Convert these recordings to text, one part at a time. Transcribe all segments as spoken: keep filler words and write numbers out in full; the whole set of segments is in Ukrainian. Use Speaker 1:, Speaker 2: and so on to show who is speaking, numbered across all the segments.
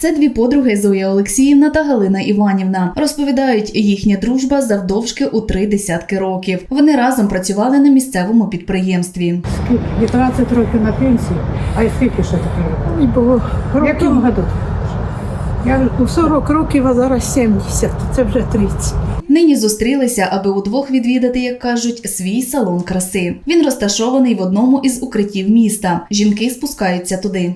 Speaker 1: Це дві подруги Зоя Олексіївна та Галина Іванівна. Розповідають, їхня дружба завдовжки у три десятки років. Вони разом працювали на місцевому підприємстві.
Speaker 2: Скільки? дев'ятнадцять років на пенсії, а скільки ще таке робила?
Speaker 3: Було
Speaker 2: В якому году?
Speaker 3: Я у сорок років, а зараз сімдесят, це вже тридцять.
Speaker 1: Нині зустрілися, аби удвох відвідати, як кажуть, свій салон краси. Він розташований в одному із укриттів міста. Жінки спускаються туди.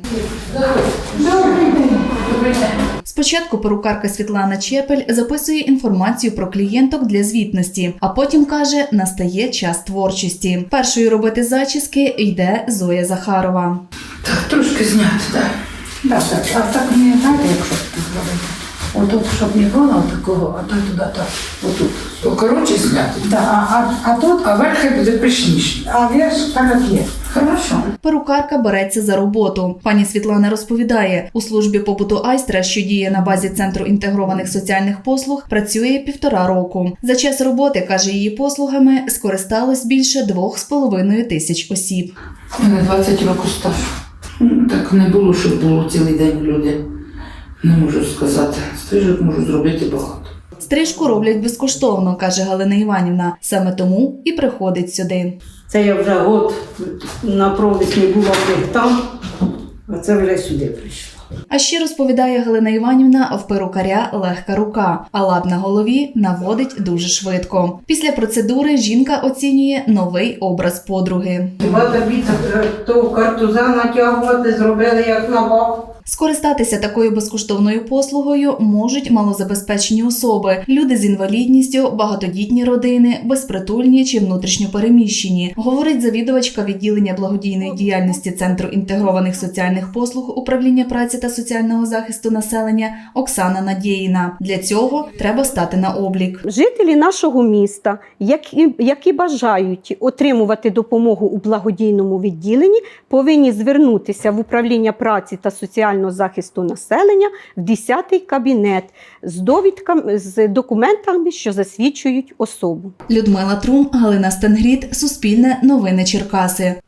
Speaker 1: Спочатку перукарка Світлана Чепель записує інформацію про клієнток для звітності, а потім каже, настає час творчості. Першою робити зачіски йде Зоя Захарова.
Speaker 4: Так, трошки зняти, так. Так, так, а так не знаєте, якщо так зробити. Отут, щоб не було такого, а то туди, так, отут. Покоротше зняти.
Speaker 3: Да, а, а, а тут,
Speaker 4: А верх хай буде пишніше.
Speaker 3: а верх так є.
Speaker 4: Хорошо.
Speaker 1: Перукарка береться за роботу. Пані Світлана розповідає, у службі побуту «Айстра», що діє на базі Центру інтегрованих соціальних послуг, працює півтора року. За час роботи, каже, її послугами скористалось більше двох з половиною тисяч осіб.
Speaker 4: У мене двадцять років стажу. Ну, так не було, щоб було цілий день люди. Не можу сказати. Стрижок можу зробити багато.
Speaker 1: Стрижку роблять безкоштовно, каже Галина Іванівна. Саме тому і приходить сюди.
Speaker 5: Це я вже год на провісні була там, а це вже сюди прийшла.
Speaker 1: А ще, розповідає Галина Іванівна, в перукаря легка рука, а лад на голові наводить дуже швидко. Після процедури жінка оцінює новий образ подруги.
Speaker 5: Хіба тобі ту картуза натягувати зробили як на баб?
Speaker 1: Скористатися такою безкоштовною послугою можуть малозабезпечені особи, люди з інвалідністю, багатодітні родини, безпритульні чи внутрішньо переміщені, говорить завідувачка відділення благодійної діяльності Центру інтегрованих соціальних послуг Управління праці та соціального захисту населення Оксана Надєїна. Для цього треба стати на облік.
Speaker 6: Жителі нашого міста, які, які бажають отримувати допомогу у благодійному відділенні, повинні звернутися в Управління праці та соціального захисту населення в десятий кабінет з довідками, з документами, що засвідчують особу.
Speaker 1: Людмила Трум, Галина Стенгріт, Суспільне новини Черкаси.